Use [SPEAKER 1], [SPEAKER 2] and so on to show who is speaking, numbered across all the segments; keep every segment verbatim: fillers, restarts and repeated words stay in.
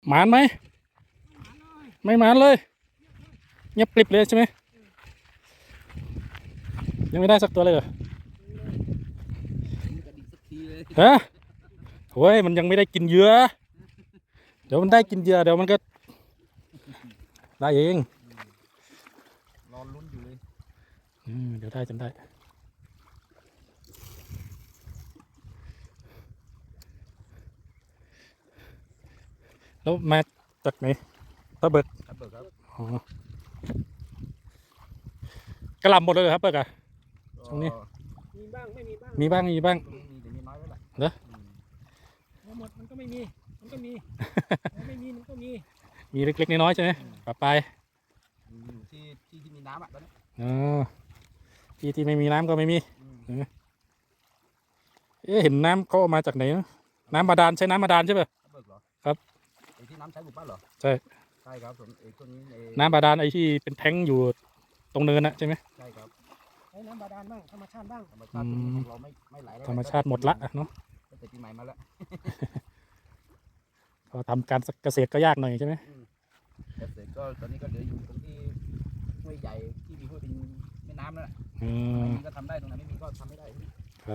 [SPEAKER 1] หมานไหมไม่หมานเลยเงียบกริบเลยใช่ไหมยังไม่ได้สักตัวเลยเหรอฮะโอ้ยมันยังไม่ได้กินเหยื่อเดี๋ยวมันได้กินเหยื่อเดี๋ยวมันก็ได้เอง
[SPEAKER 2] รอลุ้นอยู่เลย
[SPEAKER 1] อืมเดี๋ยวได้จนได้แล้วมาจากไหนตะเบิก
[SPEAKER 2] ครับเบิกครับ
[SPEAKER 1] อ๋อกระหล่ำหมดเลยเหรอครับเบิกอะตรงนี้
[SPEAKER 3] มีบ้างไม่มีบ้าง
[SPEAKER 1] มีบ้างมีบ้าง
[SPEAKER 2] มีแต่มีน้อยแล้วแหละ
[SPEAKER 1] เหรอ
[SPEAKER 3] หมดมันก็ไม่มีมันก็มีไม่มีมันก็มี
[SPEAKER 1] มีเล็กๆน้อยๆใช่ไหมปะปาย
[SPEAKER 2] อยู่ที่ที่ที่มีน้ำอ่ะตอนนี้
[SPEAKER 1] อ๋อที่ที่ไม่มีน้ำก็ไม่มีเอ๊ะเห็นน้ำเขาเอามาจากไหนนะน้ำบาดาลใช้น้ำบาดาลใช่ป่ะครับ
[SPEAKER 2] ไอ้ที่น้ำใช้หมู่บ้านเหรอ
[SPEAKER 1] ใช่
[SPEAKER 2] ใช่ครับส่วนไอ้ตัวนี้
[SPEAKER 1] น้ำบาดาลไอ้ที่เป็นแท้งอยู่ตรงเนินน่ะใช่ไหม
[SPEAKER 2] ใช่ครับ
[SPEAKER 3] ใช้น้ำบาดาลบ้างธรรมชาติบ้าง
[SPEAKER 2] ธรรมชาติของเราไม่ไม่ไหล
[SPEAKER 1] ธรรมชาติหมดละเนาะ
[SPEAKER 2] ตั้งแต่ปีใหม่มาแล้ว
[SPEAKER 1] พอทำการเกษตรก็ยากหน่อยใช่ไหม
[SPEAKER 2] เกษตรก็ตอนนี้ก็เหลืออยู่ตรงที่ห้วยใหญ่ที่มีห้วยเป็นแม่น้ำนั่นแหละตรงไหนมีก็ทำได้ตรงไหนไม่มีก็ทำไม่ได้
[SPEAKER 1] ครับ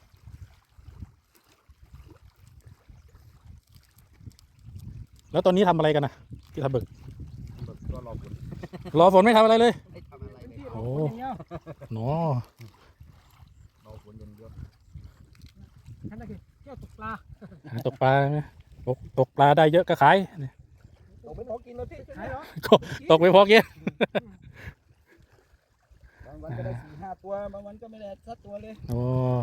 [SPEAKER 1] แล้วตอนนี้ทำอะไรกันนะที่ทำเบิก
[SPEAKER 2] ก็รอฝน
[SPEAKER 1] รอฝนไม่ทำอะไรเลย
[SPEAKER 2] ไม่ทำอะไรเลย
[SPEAKER 1] โอ้หนอ
[SPEAKER 2] รอฝนอย่างเดียว
[SPEAKER 3] นั่นก็คือเที่ยวตกปลา
[SPEAKER 1] ตกปลาไหมตกตกปลาได้เยอะก็ขาย
[SPEAKER 2] ตกไม่พอกินเลยพี่
[SPEAKER 3] ขายเหรอ
[SPEAKER 1] ตกไม่พอกิน
[SPEAKER 2] บางวันก็ได้สี่ห้าตัวบางวันก็ไม่ได้สักตัวเลย
[SPEAKER 1] โอ้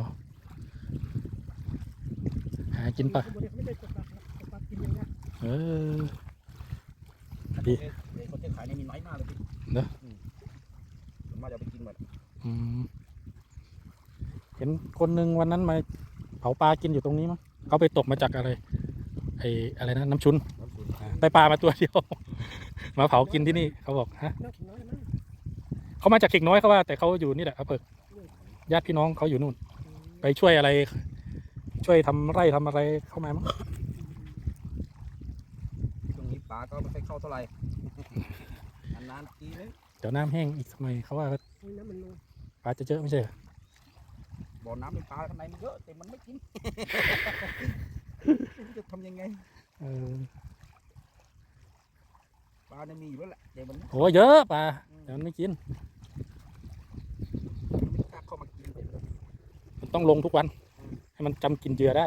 [SPEAKER 1] หากินปะ
[SPEAKER 3] ไม่ได้ตกปลาตกปลากินอย่างเงี้ย
[SPEAKER 1] เออดี
[SPEAKER 2] คนที่ขายนี่มีน้อยมากเลยพี่
[SPEAKER 1] เนอะ
[SPEAKER 2] ส่วนมากจะไปกินหมด
[SPEAKER 1] เห็นคนหนึ่งวันนั้นมาเผาปลากินอยู่ตรงนี้มั้งเขาไปตกมาจากอะไรไอ้อะไรนะน้ำชุนได้ปลามาตัวเดียวมาเผากินที่นี่เขาบอกฮะเขามาจากเข่งน้อยเขาว่าแต่เขาอยู่นี่แหละเขาเปิดญาติพี่น้องเขาอยู่นู่นไปช่วยอะไรช่วยทำไร่ทำอะไรเข้ามามั้ง
[SPEAKER 2] ตรงนี้ปลาก็ไม่ค่อยเข้าเท่าไหร่นานๆทีเลย
[SPEAKER 1] เดี๋ยวน้ำแห้งอีกทำไมเขาว่าปลาจะเยอะไม่ใช่
[SPEAKER 2] บ่อน้ำในปลาข้างในมันเยอะแต่มันไม่กินจะทำยังไงปลาเนี่ยมีอยู่แล้วแหละแต่มัน
[SPEAKER 1] โอ้เยอะปลาแต่มันไม่กิน
[SPEAKER 2] ไม่กล้าเข้ามากิน
[SPEAKER 1] มันต้องลงทุกวันให้มันจำกินเหยื่อได้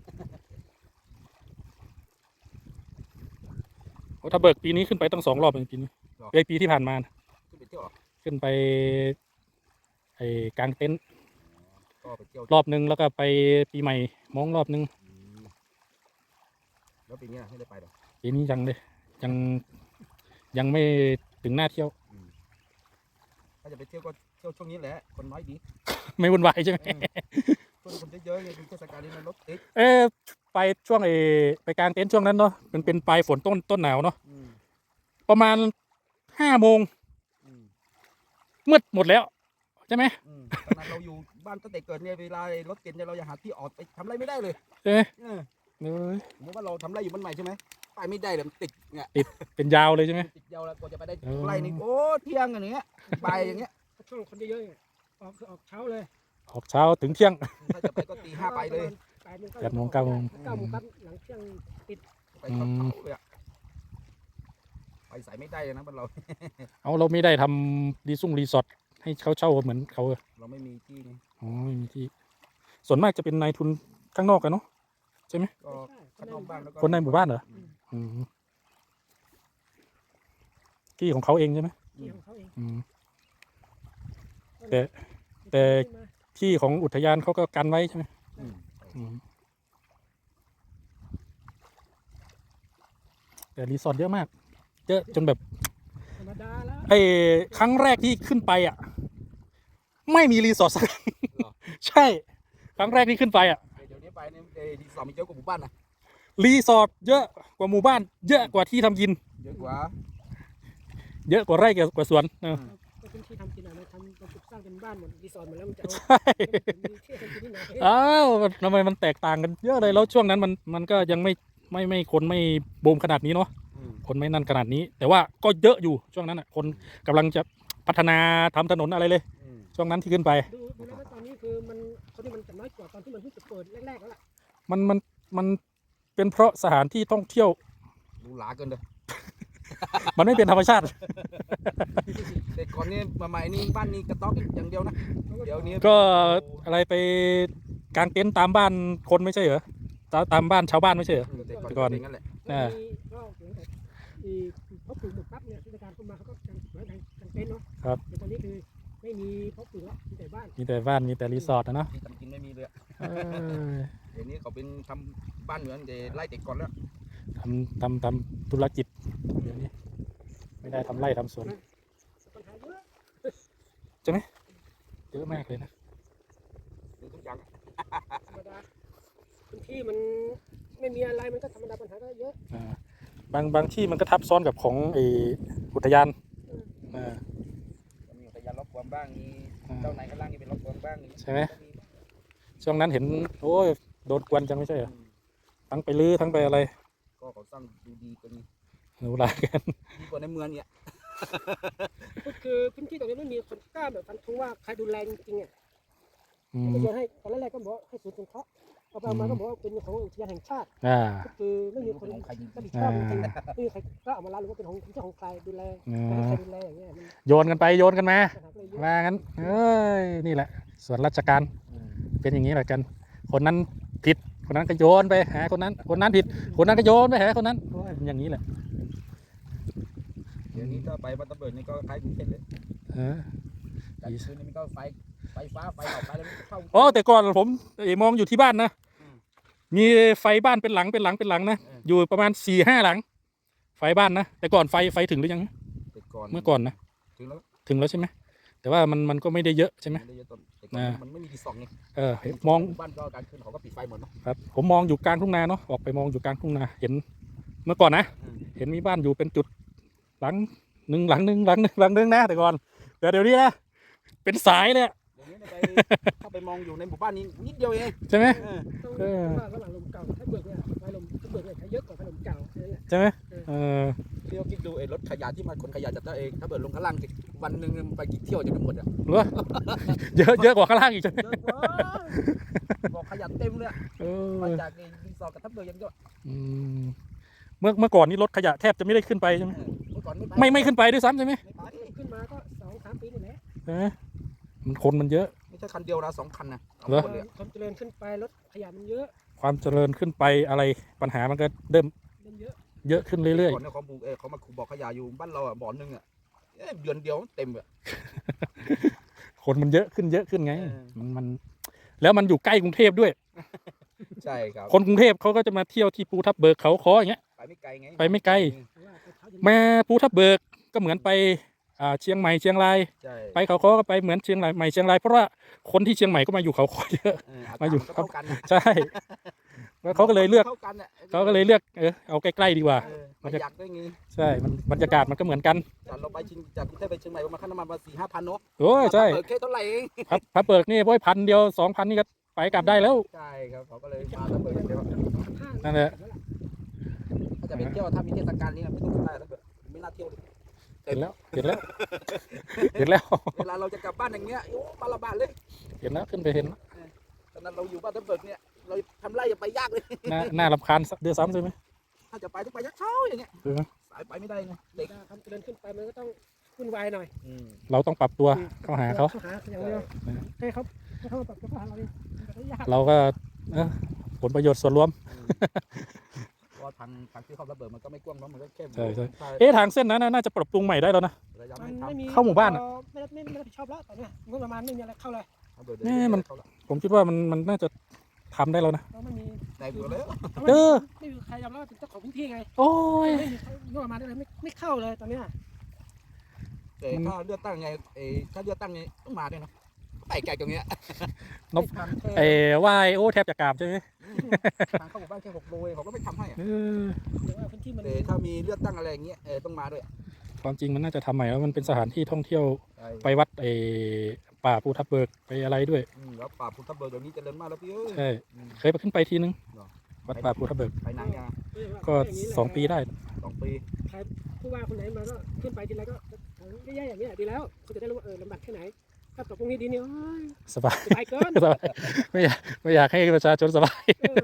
[SPEAKER 1] โอ้ถ้าเบิกปีนี้ขึ้นไปต้องสองรอบเป็นปีนี้ไอปีที่ผ่านมาขึ้นไปไอ้กลางเต็นท์รอบนึงแล้วก็ไปปีใหม่มองรอบนึง
[SPEAKER 2] แล้วปีนี้ไม่ได้ไปหรอ
[SPEAKER 1] ปีนี้ยังเลยยังยังไม่ถึงหน้าเที่ยว
[SPEAKER 2] ถ้าจะไปเที่ยวก็เที่ยวช่วงนี้แหละคนน้อยดี
[SPEAKER 1] ไม่วุ่นวายใช่ไหม
[SPEAKER 2] ช่วงคนเยอะๆเลยเทศกาลนี้มันรถติด
[SPEAKER 1] เออไปช่วงไอ้ไปกลางเต็นท์ช่วงนั้นเนาะมันเป็นปลายฝนต้นต้นหนาวเนาะประมาณห้าโมงมืดหมดแล้วใช่ไหม
[SPEAKER 2] ขนาดเราอยู่บ้านตั้งแต่เกิดเนี่ยเวลารถเก๋งเนี่ยเราอยากหาที่ออกไปทำไรไม่ได้เลย
[SPEAKER 1] ใช่ไหม
[SPEAKER 2] เออสมมติว่าเราทำไรอยู่บ้านใหม่ใช่ไหมไปไม่ได้เลยมันติดเนี่ย
[SPEAKER 1] ติดเป็นยาวเลยใช่ไหม
[SPEAKER 2] ติดยาวแล้วกว่าจะไปได้ไรนี่โอ้เที่ยงอย่างเงี้ยไปอย่างเงี้ย
[SPEAKER 3] ช่วงคนเยอะๆออกคือออกเช้าเลย
[SPEAKER 1] ออกเช้าถึงเที่ยง
[SPEAKER 2] ถ้าจะไปก็ตีห้าไปเลย
[SPEAKER 1] แปดโมงเก้าโมง
[SPEAKER 3] เก้าโมงครับหลังเที่ยงติด
[SPEAKER 2] ไปเขาเลยอะไปใส่ไม่ได้เลยนะบ้านเรา
[SPEAKER 1] เอาเราไม่ได้ทำรีสุ่งรีสอร์ทให้เขาเช่าเหมือนเขา
[SPEAKER 2] เราไม่มีที่นี่
[SPEAKER 1] อ๋อไม่มีที่ส่วนมากจะเป็นนายทุนข้างนอกกันเนาะใช่ไหม
[SPEAKER 2] ก็ข้างนอกบ้านแล้วก็
[SPEAKER 1] คนในหมู่บ้านเหรอที่ของเขาเองใช่ไหม
[SPEAKER 3] ที่ของเขาเอง
[SPEAKER 1] แต่แต่ที่ของอุทยานเขาก็กันไว้ใช่ไหมแต่รีสอร์ทเยอะมากเยอะจนแบบไอ้ครั้งแรกที่ขึ้นไปอ่ะไม่มีรีสอร์ทสักใช่ครั้งแรกที่ขึ้นไปอ่ะ
[SPEAKER 2] เดี๋ยวนี้ไปเนี่ยรีสอร์ทมีเยอะกว่าหมู่บ้านนะ
[SPEAKER 1] รีสอร์ทเยอะกว่าหมู่บ้านเยอะกว่าที่ทำกิน
[SPEAKER 2] เยอะกว่า
[SPEAKER 1] เยอะกว่าไร่กว่าสวนเออ
[SPEAKER 3] เป็นที่ทำกินอะไรทำสร้างเป็นบ้านหมดรีสอร์ทหมดแล้วมันจะเอา
[SPEAKER 1] ใช่อ้าวทำไมมันแตกต่างกันเยอะเลยแล้วช่วงนั้นมันมันก็ยังไม่ไม่ไม่คนไม่บูมขนาดนี้เนาะคนไม่นั่นขนาดนี้ แต่ว่าก็เยอะอยู่ช่วงนั้นอ่ะคนกำลังจะพัฒนาทำถนนอะไรเลยช่วงนั้นที่ขึ้นไป
[SPEAKER 3] ดูดูแล้วตอนนี้คือมันคนที่มันจะน้อยกว่าตอนที่มันเพิ่งจะเปิดแรกๆแล้วล่ะ
[SPEAKER 1] มันมันมันเป็นเพราะสถานที่ท่องเที่ยว
[SPEAKER 2] หรูหราเกินเลย
[SPEAKER 1] มันไม่เป็นธรรมชาติ
[SPEAKER 2] แต่ก่อนนี้มาใหม่นี่บ้านนี้กระต๊อบอย่างเดียวนะเดี๋ยวนี้
[SPEAKER 1] ก็อะไรไปกางเต็นท์ตามบ้านคนไม่ใช่เหรอตาตามบ้านชาวบ้านไม่ใช่เหรอ
[SPEAKER 2] แต่ก่อนเป็นงั้นแหละ
[SPEAKER 1] อ่า
[SPEAKER 3] มีก็หลังจากที่เขาปลูกหมดปั๊บเนี่ยเทศกาลเข้ามาเขาก็กางไว้กางเต็นท์เนาะ
[SPEAKER 1] ครับ
[SPEAKER 3] แต่ตอนนี้คือไม่มีเขาปลูกแล้วมีแต่บ้าน
[SPEAKER 1] มีแต่บ้านมีแต่รีสอร์ทนะเนาะ
[SPEAKER 2] ที่ทำกินไม่มีเลยอะ
[SPEAKER 1] เออ
[SPEAKER 2] เดี๋ยวนี้เขาเป็นทำบ้านเหมือนจะไล่เด็กก่อนแล้ว
[SPEAKER 1] ทำทำทำธุรกิจเดี๋ยวนี้ไม่ได้ทำไร่ทำสวน
[SPEAKER 3] ปัญหาเยอะ
[SPEAKER 1] เยอะมากเลยนะ
[SPEAKER 2] ดูทุกอย่าง
[SPEAKER 3] ธรรมดาพื้นที่มันไม่มีอะไรมันก็ธรรมดาปัญหาก็เยอะ
[SPEAKER 1] อ่าบางบางที่มันก็ทับซ้อนกับของไออุทยานอ่า
[SPEAKER 2] มีอุทยานล็อกความบ้างมีเจ้านายข้างล่างนี่เป็นล็อกความบ้าง
[SPEAKER 1] ใช่ไหมช่วงนั้นเห็นโอ้ยโดนกวนจังไม่ใช่เหรอทั้งไปลื้อทั้งไปอะไร
[SPEAKER 2] ก็เขาสร้างดูดีกัน
[SPEAKER 1] หนูหลายกัน
[SPEAKER 2] ดีกว่าในเมืองเนี่ย
[SPEAKER 3] ก็คือพื้นที่ตรงนี้ไม่มีคนกล้าแบบฟันธงว่าใครดูแลจริงๆอ่ะ
[SPEAKER 1] อืม
[SPEAKER 3] ก็โยนให้ตอนแรกๆก็บอกให้ศูนย์สงเคราะห์เอาไปเอามาก็บอกว่าเป็นของอุทยานแห่งชาติ
[SPEAKER 1] อ่า
[SPEAKER 3] ก็คือไม่มีคนรับผิดชอบจริงๆไม่มีใครกล้าออกมารับหรือว่าเป็นของเจ้าของใครดูแล
[SPEAKER 1] อ่
[SPEAKER 3] ใครา ดูแลอย่างเงี้ยมัน
[SPEAKER 1] โยนกันไปโยนกันมา
[SPEAKER 3] ปัญหาก็เลยเยอะ
[SPEAKER 1] ว่างั้นเอ้ยนี่แหละ ส่วนราชการเป็นอย่างนี้แหละกัน คนนั้นผิดคนนั้นก็โยนไปหาคนนั้น คนนั้นผิด คนนั้นก็โยนไปหาคนนั้นโอ้ยอย่างนี้แหละ
[SPEAKER 2] เดี๋ยวนี้ถ้าไปบัตเตอร์เบิร์ดนี่ก็คล้ายกรุงเทพเลย
[SPEAKER 1] เออ
[SPEAKER 2] แต่คืนนี้มันก็ไฟไฟฟ้าไฟออกไปแล้วมันเข้า
[SPEAKER 1] อ๋อแต่ก่อนผมเอ่อมองอยู่ที่บ้านนะ
[SPEAKER 2] อืม
[SPEAKER 1] มีไฟบ้านเป็นหลังเป็นหลังเป็นหลังนะ
[SPEAKER 2] เออ
[SPEAKER 1] อยู่ประมาณสี่ห้าหลัง ไฟบ้านนะแต่ก่อนไฟไฟถึงหรือยัง
[SPEAKER 2] แต่ก่อน
[SPEAKER 1] เมื่อก่อนนะ
[SPEAKER 2] ถึงแล้ว
[SPEAKER 1] ถึงแล้วใช่ไหมแต่ว่ามันมันก็ไม่ได้เยอะใช่ไหม
[SPEAKER 2] ไม่ได้เยอะต้นแต่ก่อน
[SPEAKER 1] อ่า
[SPEAKER 2] มันไม่มีที่ส่องไง
[SPEAKER 1] เออเห็นมอง
[SPEAKER 2] บ้านก็การขึ้นเขาก็ปิดไฟหมดเนาะ
[SPEAKER 1] ครับผมมองอยู่กลางทุ่งนาเนาะออกไปมองอยู่กลางทุ่งนาเห็น เมื่อก่อนนะ
[SPEAKER 2] อืม
[SPEAKER 1] เห็นมีบ้านอยู่เป็นจุดหลังหนึ่งหลังหนึ่งหลังหนึ่งหลังหนึ่งนะแต่ก่อนแต่เดี๋ยวนี้นะเป็นสายเลยอะ
[SPEAKER 2] เดี๋ยวนี้ไปเข้าไปมองอยู่ในหมู่บ้านนี้นิดเดียวเอง
[SPEAKER 1] ใช่ไหม
[SPEAKER 2] เออ
[SPEAKER 3] ต้อง
[SPEAKER 1] เออ
[SPEAKER 3] ว่าระหว่างลมเก่ากับไฟเบิกเนี่ยไฟลมไฟเบิกเนี่ยใช้เยอะกว่าไฟลมเก่าแค่นั้นแหละ
[SPEAKER 1] ใช่ไหมเออ
[SPEAKER 2] เที่ยวคิดดูไอ้รถขยะที่มันขนขยะจากตัวเองถ้าเบิดลงข้างล่างสิวันหนึ่งมันไปกี่เที่ยวจะไม่หมดอ่ะ
[SPEAKER 1] หรือว่า เยอะเยอะกว่าข้างล่างอีกใช่ไหม
[SPEAKER 2] เยอะกว่าบอกขยะเต็มเลยอะ
[SPEAKER 1] เออ
[SPEAKER 2] มาจากไอ้รีสอร์ทกับทับเบิร์ยังก็
[SPEAKER 1] อืมเมื่อเมื่อก่อนนี้รถขยะแทบจะไม่ได้ขึ้นไปใช่ไหม
[SPEAKER 2] เออเมื่อก่อนไม่ไป
[SPEAKER 1] ไม่ไม่ขึ้นไปด้วยซ้ำใช่ไหม
[SPEAKER 2] ไม่ไป
[SPEAKER 3] ขึ้นมาก็สองสามปีนี่แหละ
[SPEAKER 1] ใช่ไหมมันคนมันเยอะ
[SPEAKER 2] ไม่ใช่คันเดียวนะสองคันนะสอง
[SPEAKER 1] เหรอ
[SPEAKER 2] คนเลยอะ
[SPEAKER 3] ความเจริญขึ้นไปรถขยะมันเยอะ
[SPEAKER 1] ความเจริญขึ้นไปอะไรปัญหามันก็เริ่ม
[SPEAKER 3] เริ่มเยอะ
[SPEAKER 1] เยอะขึ้นเรื่อย
[SPEAKER 2] ก่อนเนี่ยเขาบุกเออเขามาขุดบ่อขยะอยู่บ้านเราอ่ะบ่อนึงอ่ะเอ้ยเดือนเดียวเต็มอ่ะ
[SPEAKER 1] ๆคนมันเยอะขึ้นเยอะขึ้นไง
[SPEAKER 2] เออ
[SPEAKER 1] มันมันแล้วมันอยู่ใกล้กรุงเทพด้วย
[SPEAKER 2] ใช่ครับ
[SPEAKER 1] คนกรุงเทพเขาก็จะมาเที่ยวที่ภูทับเบิกเขาคออย่างเงี้ย
[SPEAKER 2] ไปไม่ไกลไง
[SPEAKER 1] ไปไม่ไกล
[SPEAKER 3] เพราะว่าไปเช้าเย็น
[SPEAKER 1] มาภูทับเบิกก็เหมือนไปอ่าเชียงใหม่เชียงราย
[SPEAKER 2] ใช่
[SPEAKER 1] ไปเขาคอก็ไปเหมือนเชียงรายใหม่เชียงรายเพราะว่าคนที่เชียงใหม่ก็มาอยู่เขาคอเยอะ
[SPEAKER 2] เอออากาศ
[SPEAKER 1] มาอยู่
[SPEAKER 2] นก็เท่ากันน่ะ
[SPEAKER 1] ใช่แล้วเขาก็เลยเลือก
[SPEAKER 2] ท่ากันน่ะ
[SPEAKER 1] เขาก็เลยเลือกเออเอาใกล้ๆดีกว่า
[SPEAKER 2] เออประหยัดได้ไง
[SPEAKER 1] ใช่มันบรรยากาศมันก็เหมือนกัน
[SPEAKER 2] จากเราไปชิงจากกรุงเทพไปเชียงใหม่ประมาณค่าน้ำมันมาสี่ห้าพันเนาะ
[SPEAKER 1] โอ้ยใช่
[SPEAKER 2] เปิดแค่เท่าไหร่เอง
[SPEAKER 1] พับพับเบิกนี่โอ้ยพันเดียวสองพันนี่ก็ไปกลับได้แล้ว
[SPEAKER 2] ใช่ครับเขาก็เลยมาแล้วเปิดเดียว
[SPEAKER 3] ห้า
[SPEAKER 1] นั่นแหละ
[SPEAKER 2] ถ้าจะไปเที่ยวถ้ามีเทศกาลนี้ไม่ต้องได้แล้วเปิดไม่น่าเที่ยวเลย
[SPEAKER 1] เห็นแล้วเห็นแล้วเห็นแล้ว
[SPEAKER 2] เวลาเราจะกลับบ้านอย่างเงี้ยโอ้มาละบาทเลย
[SPEAKER 1] เห็นแล้วขึ้นไปเห็นแล้ว
[SPEAKER 2] ตอนนั้นเราอยู่บ้านทับเบิกเนี่ยเราทำไรอย่าไปยากเลย
[SPEAKER 1] น่าน่ารำคาญเดือดซ้ำใช่ไหม
[SPEAKER 2] ถ้าจะไปต้องไปยักเช้าอย่างเงี้ย
[SPEAKER 1] เออ
[SPEAKER 2] สายไปไม่ได้ไงเด็ก
[SPEAKER 3] ความเจริญขึ้นไปมันก็ต้องวุ่นวายหน่อย
[SPEAKER 2] อืม
[SPEAKER 1] เราต้องปรับตัวเข้าหาเขา
[SPEAKER 3] หาอย่างเดียวให้เขาให้เขามาปรับตัวเข้าหาเราเองมันก็ยาก
[SPEAKER 1] เราก็เออผลประโยชน์ส่วนรวม
[SPEAKER 2] เพราะทางทางที่เขาระเบิดมันก็ไม่กว้างเนาะมันก็แค่
[SPEAKER 1] ใช่ใช่
[SPEAKER 2] ถ้า
[SPEAKER 1] เอ๊ะทางเส้นนั้นน่ะน่าจะปรับปรุงใหม่ได้แล้วนะ
[SPEAKER 2] ระยะ
[SPEAKER 3] มั
[SPEAKER 2] ไม่
[SPEAKER 3] น
[SPEAKER 2] ทำ
[SPEAKER 3] ไม่มี
[SPEAKER 1] เข้าหมู่บ้านอะ
[SPEAKER 3] ไม่ได้ไม่ไม่รับผิดชอบแล้วตอนเนี้ยงบประมาณไม่มีอะไรเข้าเลย
[SPEAKER 2] ระเบิด
[SPEAKER 1] แน่มัน
[SPEAKER 2] เขาละ
[SPEAKER 1] ผมคิดว่ามันมันน่าจะทำได้แล้วนะ
[SPEAKER 3] เราไม่มี
[SPEAKER 2] แตกหมดแล้ว
[SPEAKER 1] เออ
[SPEAKER 3] ไม่มีใครยอมรับว่าเป็นเจ้าของพื้นที่ไง
[SPEAKER 1] โอ้ย
[SPEAKER 3] ไม่มีงบประมาณอะไรไม่ไม่เข้าเลยตอนเนี้ย
[SPEAKER 2] แต่ถ้าเลือกตั้งไงเออถ้าเลือกตั้งไงต้องมาด้วยเนาะไปไกลตรงเนี้ย
[SPEAKER 1] นบ
[SPEAKER 2] ทางแค่
[SPEAKER 1] เอ้ไหวายโอ้แทบจะกราบใช่ไหม
[SPEAKER 2] ทางเข้าหมู่บ้านแค่หกโลเองเขาก็ไม่ทำให้อะ
[SPEAKER 1] เออ
[SPEAKER 3] แต่ว่าพื้นที่มัน
[SPEAKER 2] แต่ถ้ามีเลือกตั้งอะไรอย่างเงี้ยเออต้องมาด้วย
[SPEAKER 1] ความจริงมันน่าจะทำใหม่แล้วมันเป็นสถานที่ท่องเที่ยว
[SPEAKER 2] ใช่
[SPEAKER 1] ไปวัดไอ้ป่าภูทับเบิกไปอะไรด้วย
[SPEAKER 2] อืมแล้วป่าพุทธเบิกเดี๋ยวนี้เจริญมากแล้วพี่เอ้ย
[SPEAKER 1] ใช่
[SPEAKER 2] อืม
[SPEAKER 1] เคยไปขึ้นไปทีนึง
[SPEAKER 2] หรอ
[SPEAKER 1] วัดป่าภูทับเบิก
[SPEAKER 2] ไปนานยัง
[SPEAKER 3] เออว่า
[SPEAKER 1] ก็
[SPEAKER 3] ย่านี้แหละ
[SPEAKER 1] สองปีได้
[SPEAKER 2] สองปี
[SPEAKER 3] ผู้ว่าคนไหนมาก็ขึ้นไปทีไรก็แย่ๆอย่างนี้ยดีแล้วเขาจะได้รู้ว่าเออลำบากแค่ไหนถ้าตกตรงนี้ดีเนี่ยโอ้ย
[SPEAKER 1] สบาย
[SPEAKER 3] สบายเกิน
[SPEAKER 1] สบายไม่อยากไม่อยากให้ประชาชนสบาย
[SPEAKER 3] เออ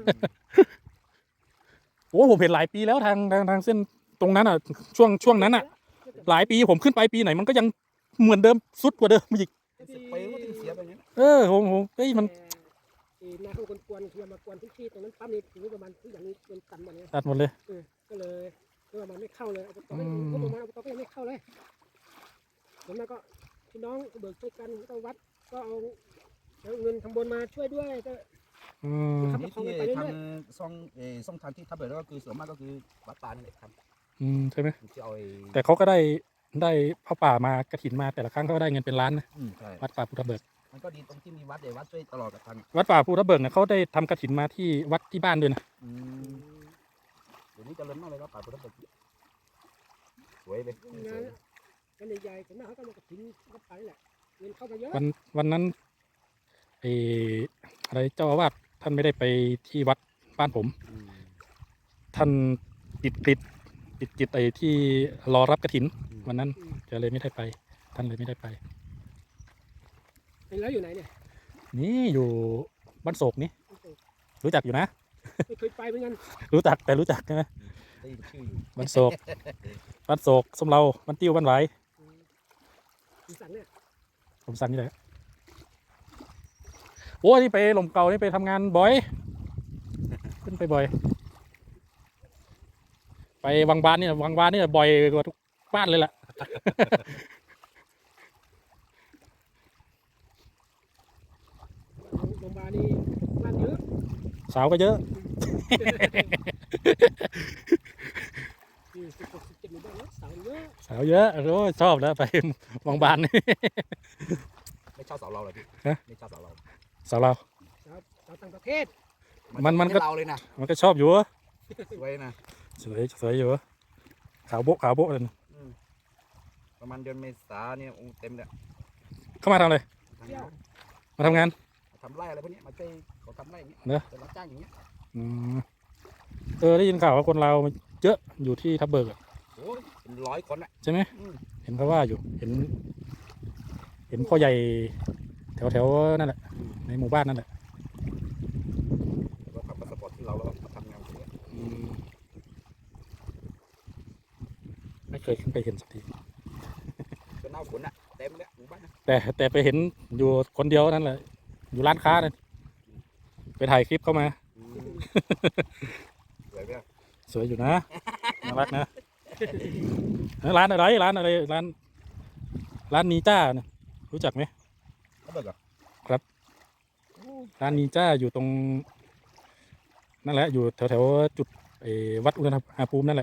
[SPEAKER 1] โอ้ผมเห็นหลายปีแล้วทางทางทางเส้นตรงนั้นอ่ะ ช่วงช่วงนั้นอ่ะ หลายปีผมขึ้นไปปีไหนมันก็ยังเหมือนเดิมสุดกว่าเดิมอีก
[SPEAKER 2] สิบปีก็ถึงเสียไปอย่างนี้
[SPEAKER 1] เออผมผมเฮ้ยมัน
[SPEAKER 3] แต่ไอ้นาเขาคนกวนคือมากวนพื้นที่ตรงนั้นปั๊มนี่ถึงประมาณทุกอย่างนี้เป็นตันหมดเลย
[SPEAKER 1] ตัดหมดเลย
[SPEAKER 3] เออก็เลยก็ประมาณไม่เข้าเลยอบต
[SPEAKER 1] อื
[SPEAKER 3] ก็
[SPEAKER 1] ม
[SPEAKER 3] ก็ประมาณอบตก็ยังไม่เข้าเลยส่วนมากก็พี่น้องเบิกช่วยกันก็วัดก็เอาเอาเงินทำบนมาช่วยด้วยก็
[SPEAKER 1] อืม
[SPEAKER 3] ครับ
[SPEAKER 2] นี่ที่ทำซ่องเออซ่องทางที่ทับเบิกก็คือส่วนมากก็คือวัดป่านี่แหละครับ
[SPEAKER 1] อืมใช่ไหม
[SPEAKER 2] ที่เอาไอ้
[SPEAKER 1] แต่เขาก็ได้ได้ผ้าป่ามากระถินมาแต่ละครั้งเขาก็ได้เงินเป็นล้านนะ
[SPEAKER 2] อืมใช่
[SPEAKER 1] วัดป่าภูทับเบิก
[SPEAKER 2] มันก็ดีตรงที่มีวัดเดี๋ยววัดช่วยตลอดกับทาง
[SPEAKER 1] วัดป่าภูทับเบิกเนี่ยเขาได้ทำกระถินมาที่วัดที่บ้านด้วยนะ
[SPEAKER 2] อืมเดี๋ยวนี้เจริญมากเลยครับป่าพุทธเบิกสวยเลย
[SPEAKER 3] งานงานใหญ่ๆส่วนมากเขาก็มากระถิ่นวัดไปแหละเงินเข้ามาเยอะ
[SPEAKER 1] วันวันนั้นเอออะไรเจ้าอาวาสท่านไม่ได้ไปที่วัดบ้านผม
[SPEAKER 2] อืม
[SPEAKER 1] ท่านติดกิจติดกิจไอ้ที่รอรับกระถิน
[SPEAKER 2] อืม
[SPEAKER 1] วันนั้น
[SPEAKER 3] อืม
[SPEAKER 1] จะเลยไม่ได้ไป ท่านเลยไม่ได้ไป
[SPEAKER 3] แล้วอยู่ไหนเนี่ย
[SPEAKER 1] นี่อยู่บ้านโศกนี่รู้จักอยู่นะ
[SPEAKER 3] ไม่เคยไปเหมือนกัน
[SPEAKER 1] รู้จักแต่รู้จักใช่ไหม
[SPEAKER 2] ได้ยินชื่ออยู่
[SPEAKER 1] บ้านโศกบ้านโศกสมเราบ้านติ้วบ้านไหว
[SPEAKER 3] อืมอีสันเนี่ย
[SPEAKER 1] ผมสั่นนี่แหละโอ้ยนี่ไปหลมเก่านี่ไปทำงานบ่อย ขึ้นไปบ่อย ไปวังบานนี่วังบานนี่บ่อยกว่าทุกบ้านเลยแหละ
[SPEAKER 3] โรงพยาบาลนี่บ้านเยอะ
[SPEAKER 1] สาวก็เยอะ
[SPEAKER 3] นี่สิบหกสิบเจ็ดหมู่บ้านเนอะสาวเยอะ
[SPEAKER 1] สาวเยอะโอ้ยชอบแล้วไปวังบานนี่
[SPEAKER 2] ไม่ชอบสาวเราเลยพี่
[SPEAKER 1] ฮะ
[SPEAKER 2] ไม่ชอบสาวเรา
[SPEAKER 1] สาวเรา
[SPEAKER 3] สาวสาวต่างประเทศ
[SPEAKER 1] มันมันก็
[SPEAKER 2] ไเราเลยนะ
[SPEAKER 1] มันก็ชอบอยู่
[SPEAKER 2] สวยนะ
[SPEAKER 1] สวยสวยอยู่ขาวโบ๊ะขาวโบ๊ะเลย
[SPEAKER 2] อืมประมาณเดือนเมษาเนี่ยโอ้เต็มเลย
[SPEAKER 1] เข้ามาทำอะไร
[SPEAKER 2] ทำงาน
[SPEAKER 1] มาทำงาน
[SPEAKER 2] ทำไร่อะไรพวกเนี้ยมาช่วยเขาทำไร่อย่างเงี้ย
[SPEAKER 1] เนอะ
[SPEAKER 2] จะรับจ้างอย่างเงี้ย
[SPEAKER 1] อืมเออได้ยินข่าวว่าคนเราวเยอะอยู่ที่ทับเบิกอะ
[SPEAKER 2] โอ้ยเป็นร้อยคนอ่ะ
[SPEAKER 1] ใช่ไหม
[SPEAKER 2] อืม
[SPEAKER 1] เห็นเขาว่าอยู่ เห็น เห็นพ่อใหญ่แถวแถวๆนั่นแหละ ในหมู่บ้านนั่นแหละ
[SPEAKER 2] แล้วก็ทำพาสปอร์ตที่เราแล้วก็มาทำงานตรงเนี้ย
[SPEAKER 1] อืมไม่เคยขึ้นไปเห็นสักที
[SPEAKER 2] เป็นหน้าฝนอ่ะเต็มเลยหมู่บ้านนะ
[SPEAKER 1] แต่แต่ไปเห็นอยู่คนเดียวนั่นแหละ อยู่ร้านค้านั่นไปถ่ายคลิปเข้ามา
[SPEAKER 2] อืมสวยไหมอะ
[SPEAKER 1] สวยอยู่นะ น่ารักนะ ร้านอะไร ร้านอะไร ร้าน ร้านนีจ้าเนี่ยรู้จักไหม
[SPEAKER 2] เขาเบิกเหรอ
[SPEAKER 1] ร้านนีจ้าอยู่ตรง นั่นแหละ อยู่แถวแถวๆจุดไอ้วัดอุณหภูมินั่นแหละ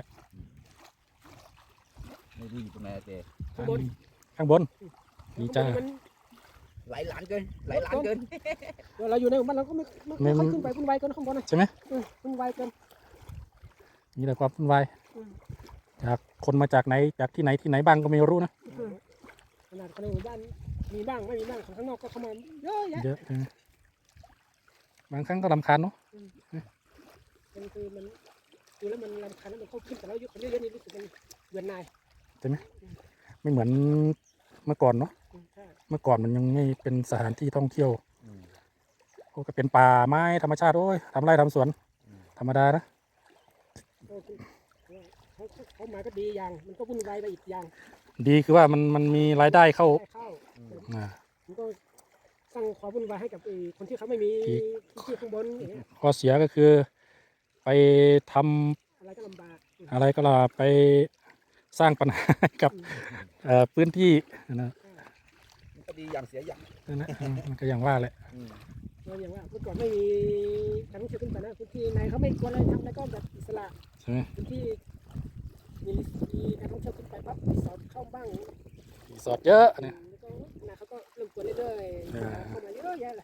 [SPEAKER 2] ไม่รู้อยู่ตรงไหนอะเจ
[SPEAKER 3] ข้างบน
[SPEAKER 1] ข้างบน นี่จ้า
[SPEAKER 3] มัน
[SPEAKER 2] หลายล้านเกินหลายล้านเกิน
[SPEAKER 3] เวลาอยู่ในหมู่บ้านเราก็ไม่ไม่ไม่ค่อยขึ้นไปวุ่นวายเกินข้างบนนะ
[SPEAKER 1] ใช่ไหม
[SPEAKER 3] เออวุ่นวายเกิน
[SPEAKER 1] มีแต่ความวุ่นวาย
[SPEAKER 3] อืม
[SPEAKER 1] จากคนมาจากไหน จากที่ไหนที่ไหนบ้างก็ไม่รู้นะ
[SPEAKER 3] เออขนาดคนในหมู่บ้านมีบ้างไม่มีบ้างคนข้างนอกก็เข้ามาเยอะแยะ
[SPEAKER 1] เยอะนะบางครั้งก็รำคาญเนาะ
[SPEAKER 3] มันคือมันดูแล้วมันรำคาญแล้วมันเข้าขึ้นแต่แล้วยุคคนเยอะๆนี่รู้สึกมันเบื่อหน่าย
[SPEAKER 1] ไม่เหมือนเมื่อก่อนเนาะ
[SPEAKER 3] อืมใช่
[SPEAKER 1] เมื่อก่อนมันยังไม่เป็นสถานที่ท่องเที่ยว
[SPEAKER 2] อืม
[SPEAKER 1] ก็เป็นป่าไม้ธรรมชาติโอ้ยทำไร่ทำสวน
[SPEAKER 2] อืม
[SPEAKER 1] ธรรมดานะ
[SPEAKER 3] ก็คือเขาเขาเขามาก็ดีอย่าง มันก็วุ่นวายไปอีกอย่าง
[SPEAKER 1] ดีคือว่ามันมันมีรายได้เข้า
[SPEAKER 3] ได้เข้า
[SPEAKER 2] อืม
[SPEAKER 1] อ่า
[SPEAKER 3] มันก็สร้างความวุ่นวายให้กับไอ้คนที่เขาไม่มี
[SPEAKER 1] ที่
[SPEAKER 3] ที่ข้างบนอย่างเงี้ย
[SPEAKER 1] ข้อเสียก็คือ ไปทำ
[SPEAKER 3] อะไรก็ลำบาก
[SPEAKER 1] อะไรก็ล่ะไปสร้างปัญหาให้กับ
[SPEAKER 3] อืม
[SPEAKER 1] เอ่อพื้นที่นะ
[SPEAKER 2] มันก็ดีอย่างเสียอย่าง
[SPEAKER 1] นั่นนะอืมมันก็อย่างว่าแหละ
[SPEAKER 2] อืม
[SPEAKER 3] เราอย่างว่าเมื่อก่อนไม่มีการท่องเที่ยวขึ้นไปนะพื้นที่ไหนเขาไม่กลัวอะไรทำอะไรก็แบบอิสระ
[SPEAKER 1] ใช่ไหม
[SPEAKER 3] พื้นที่มีมีการท่องเที่ยวขึ้นไปปั๊บรีสอร์ทเข้าบ้าง
[SPEAKER 1] รีสอร์ทเยอะนะ
[SPEAKER 3] แล้วก็นะเขาก็เริ่มกลัวเรื่อยๆ
[SPEAKER 1] อ่า
[SPEAKER 3] เข้ามาเยอะแยะเลย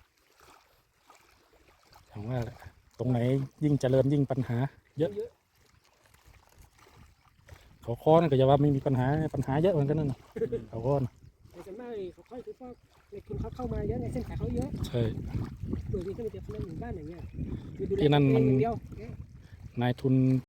[SPEAKER 1] อย่างว่าแหละตรงไหนยิ่งเจริญยิ่งปัญหา เยอะ
[SPEAKER 3] เยอะ
[SPEAKER 1] เขาค้อนนก็จะว่าไม่มีปัญหาปัญหาเยอะเหมือนกันนั่นน่ะเขาค้อน
[SPEAKER 3] แต่ส่วนมากเขาค่อยคือพวกในทุนเขาเข้ามาเยอะในเส้นขายเขาเยอะ
[SPEAKER 1] ใช่
[SPEAKER 3] เบิกนี่ก็มีแต่คนในหมู่บ้านอย่างเงี้ยดูแล
[SPEAKER 1] ที่นั่นมัน
[SPEAKER 3] ตัวเองอย่างเดียว
[SPEAKER 1] นายทุน